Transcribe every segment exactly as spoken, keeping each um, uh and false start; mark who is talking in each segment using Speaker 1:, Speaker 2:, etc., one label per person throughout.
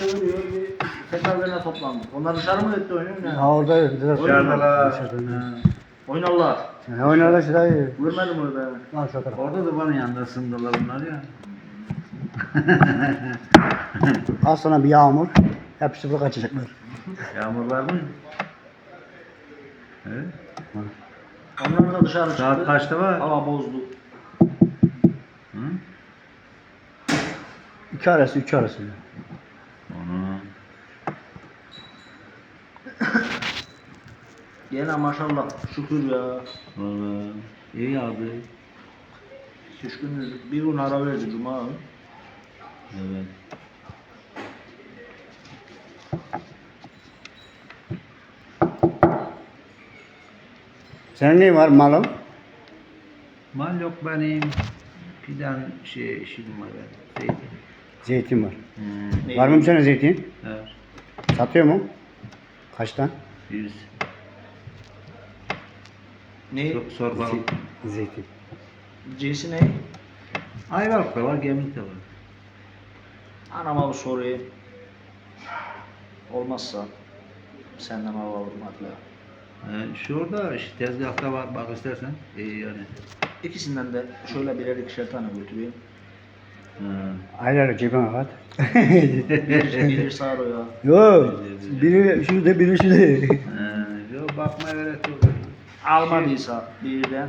Speaker 1: çeviriyor. Bir tekrar üzerine toplandık. Onlar dışarı mı etti oyunu? Ne?
Speaker 2: Ha orada biraz
Speaker 1: Dışarıdalar.
Speaker 2: dışarıda.
Speaker 1: Oynarlar.
Speaker 2: Ne oynadı şurayı?
Speaker 1: Görmedim orada.
Speaker 2: Lan şu tarafa.
Speaker 3: Orada da bana yanında ısındılar bunlar ya.
Speaker 2: Az sonra bir yağmur. Hepsi burada kaçacaklar.
Speaker 3: Yağmur var mı? Evet.
Speaker 1: Onlar da dışarı çıktı.
Speaker 3: Saat kaçta var?
Speaker 1: Hava bozdu.
Speaker 3: Hı?
Speaker 2: İki arası, üç arası.
Speaker 3: Onu.
Speaker 1: Gene maşallah şükür ya.
Speaker 3: Vallahi iyi yağdı.
Speaker 1: Üç gün, bir gün ara verdi Cuma.
Speaker 3: Evet.
Speaker 2: Senin neyin var malın?
Speaker 3: Mal yok benim. Fidan şey işim var benim. Zeytin.
Speaker 2: Zeytin var.
Speaker 3: Hmm.
Speaker 1: Ne?
Speaker 2: Var mı senin zeytin?
Speaker 3: Evet.
Speaker 2: Satıyor mu? Kaçtan?
Speaker 3: Yüz.
Speaker 1: Ne?
Speaker 3: Sor, sor bakalım.
Speaker 2: Zeytin.
Speaker 1: Cinsi ne?
Speaker 3: Ayvalık da var, gemlik de var.
Speaker 1: Anama bu soruyu. Olmazsa senden alalım hatta.
Speaker 3: Yani şurada işte tezgahta var, bak istersen. İyi yani.
Speaker 1: İkisinden de şöyle birer ikişer tane götüreyim.
Speaker 3: Ha.
Speaker 2: Aylar cebime at.
Speaker 1: Bir, birir sağır o ya.
Speaker 2: Yok. Biri şurada, biri şurada.
Speaker 3: Ha, yok bakmaya gerek yok.
Speaker 1: Almadıysa birden.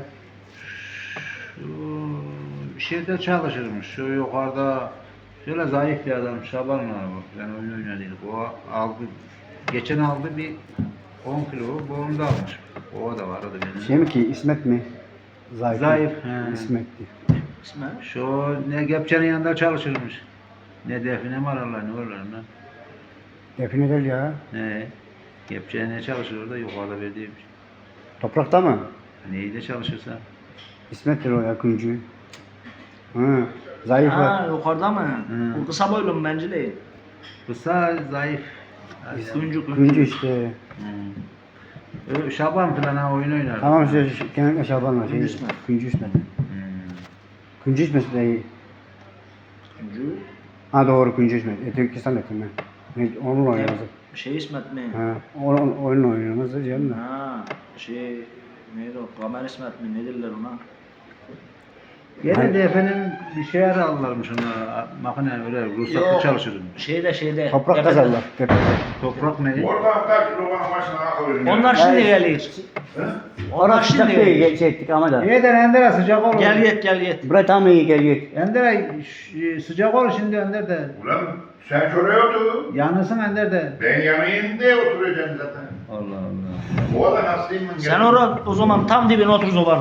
Speaker 3: Şu şeyde çalışırmış. Şu yukarıda şöyle zayıf bir adam Şaban var bak. Yani oyun oynadıydık. O aldı. Geçen aldı bir on kilo. Bu onu da almış. O da vardı benim.
Speaker 2: Şey mi ki İsmet mi? Zayıf.
Speaker 3: Zayıf. He.
Speaker 2: İsmet'ti.
Speaker 1: İsmi?
Speaker 3: Şu ne Gepçe'nin yanında çalışırmış. Ne define mi ararlar ne olurlar lan.
Speaker 2: Define değil ya.
Speaker 3: Ne? Gepçe'ye ne çalışır orada yukarıda verdiymiş.
Speaker 2: Toprakta mı?
Speaker 3: Neyde çalışırsa.
Speaker 2: İsmet'tir o ya Küncü. Hı. Zayıf
Speaker 1: Ha
Speaker 2: var.
Speaker 1: yukarıda mı?
Speaker 3: Hı.
Speaker 1: Bu kısa boylu mu bence değil.
Speaker 3: Kısa zayıf.
Speaker 1: Kuncu
Speaker 2: Küncü işte.
Speaker 3: Hmm. Ö, Şaban falan ha oyun oynar.
Speaker 2: Tamam işte şu- genellikle Şaban var. Şey,
Speaker 1: Küncü İsmet.
Speaker 2: Küncü İsmet.
Speaker 3: Hmm.
Speaker 2: Küncü İsmet de iyi.
Speaker 1: Kuncu.
Speaker 2: Ha doğru Küncü İsmet. E, Türkistan ettim ben. Ne, onunla oynuyoruz.
Speaker 1: Şey İsmet mi?
Speaker 2: Ha, onun, onunla oynuyoruz canım da.
Speaker 1: Ha şey neydi o? Kamer İsmet mi? Ne derler ona?
Speaker 3: Gene de efendim bir şeyler alırlarmış ona. Makine öyle ruhsatlı çalışırım.
Speaker 1: Şeyde şeyde.
Speaker 2: Toprak
Speaker 1: tepede.
Speaker 2: kazarlar. Tepede.
Speaker 3: Toprak ne?
Speaker 4: Oradan kaç romanın başına akılıyor.
Speaker 1: Onlar şimdi
Speaker 2: Yani-
Speaker 1: geliyor. Onlar
Speaker 2: Orası
Speaker 1: şimdi
Speaker 2: sıcak değil,
Speaker 1: geliyor.
Speaker 2: geçecektik ama da.
Speaker 3: İyi de Ender sıcak olur.
Speaker 1: Gel yet gel yet.
Speaker 2: Buraya tam iyi gel git.
Speaker 3: Ender ş- sıcak olur şimdi Ender de.
Speaker 4: Ulan sen şuraya otur.
Speaker 3: Yanılsın Ender de.
Speaker 4: Ben yanayım diye oturacaksın zaten.
Speaker 3: Allah Allah.
Speaker 4: Bu arada hastayım ben.
Speaker 1: Sen orada o zaman tam dibine otur zoban.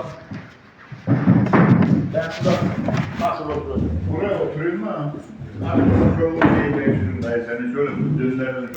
Speaker 4: Ben şurada nasıl oturacağım? Buraya oturayım mı? Abi çok yolun şeyi değiştirin dayı seni şöyle dönlerden